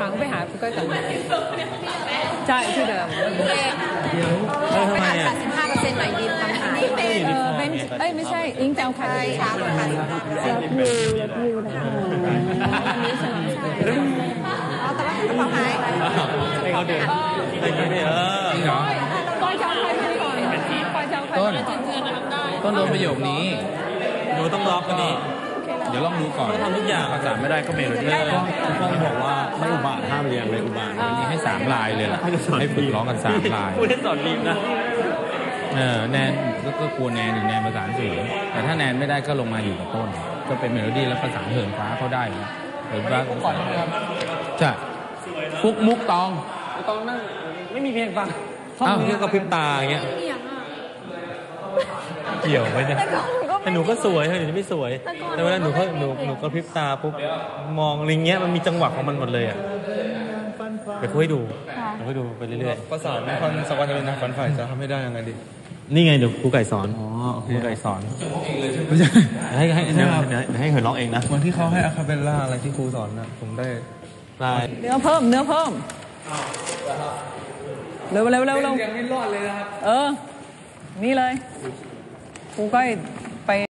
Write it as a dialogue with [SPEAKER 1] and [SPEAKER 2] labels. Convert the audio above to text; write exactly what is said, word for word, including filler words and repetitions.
[SPEAKER 1] างไปหาคุณก้อยก่อนใช่ชื่อเดิม
[SPEAKER 2] เออทำไมอ่ะ
[SPEAKER 3] สิบห้าเปอร์เซ็นต์หน่อยดีทำหาย
[SPEAKER 1] เออเป็นเอ้ยไม่ใช่อิงจะเอาใคร
[SPEAKER 3] ช้ากว่าค่ะ
[SPEAKER 1] รับยูรับยูนะคะอันนี้สนองใช่
[SPEAKER 3] เอาแต่ว่ากระเป๋าหาย
[SPEAKER 2] ให้เขาเดินให้เขาเดินเออจริงเหรอ
[SPEAKER 1] ก้อยจะเอาใครมาก่อนก้อยจะเอาใครมาก่อน
[SPEAKER 4] ต้นโดนประโยคนี้
[SPEAKER 2] หนูต้องล็อกกันนี่
[SPEAKER 4] เดี๋ยวลองดูก่อน
[SPEAKER 2] ทำทุกอย่าง
[SPEAKER 4] ภาษาไม่ได้ก็เมโลดี้
[SPEAKER 2] ต้องบอกว่าไม่อุบาทห้ามเรียนเลยอุบาท
[SPEAKER 4] วันนี้ให้สามลายเลยล่ะให้ฝึกร้องกันสามลาย
[SPEAKER 2] พูดให้สอนดีนะ
[SPEAKER 4] เออแนนก็กลัวแนนอยู่แนนประสานเสียงแต่ถ้าแนนไม่ได้ก็ลงมาอยู่กับต้นก็เป็นเมโลดี้แล้วประสานเหินฟ้าเขาได้นะเหินฟ้าก่อนครับจะฟุกมุกตอง
[SPEAKER 2] ตองนั่งไม่มีเพลงฟังท่องนี้ก็พริบตาอย่างเงี้ยเกี่ยวไหมเนี่ยแต่หนูก็สวยหนูไม่สวยแต่เวลาหนูเขาหนูหนูก็พริบตาปุ๊บมองอะไรเงี้ยมันมีจังหวะของมันหมดเลยอ่ะเดี๋ยวคุยดูเดี๋ยวคุยดูไปเรื่อยๆ
[SPEAKER 5] ประสานคอนสวรรค์จะเป็นนักฝันฝ่ายจะทำไม่ได้ยังไงดี
[SPEAKER 2] นี่ไงเดี๋ยวครูไก่สอนอ๋อครูไก่สอนไม่ใช่ให้ให้เดี๋ยวเดี๋ยวให้เหินร้องเองนะ
[SPEAKER 5] วันที่เขาให้อะคาเปลล่าอะไรที่ครูสอนนะผมได้
[SPEAKER 2] ลาย
[SPEAKER 1] เนื้อเพิ่มเนื้อเพิ่มเร็วเร็วเร็วเร็ว
[SPEAKER 5] ยังไม่รอดเลยนะครับ
[SPEAKER 1] เออนี่เลยครูก้อยไป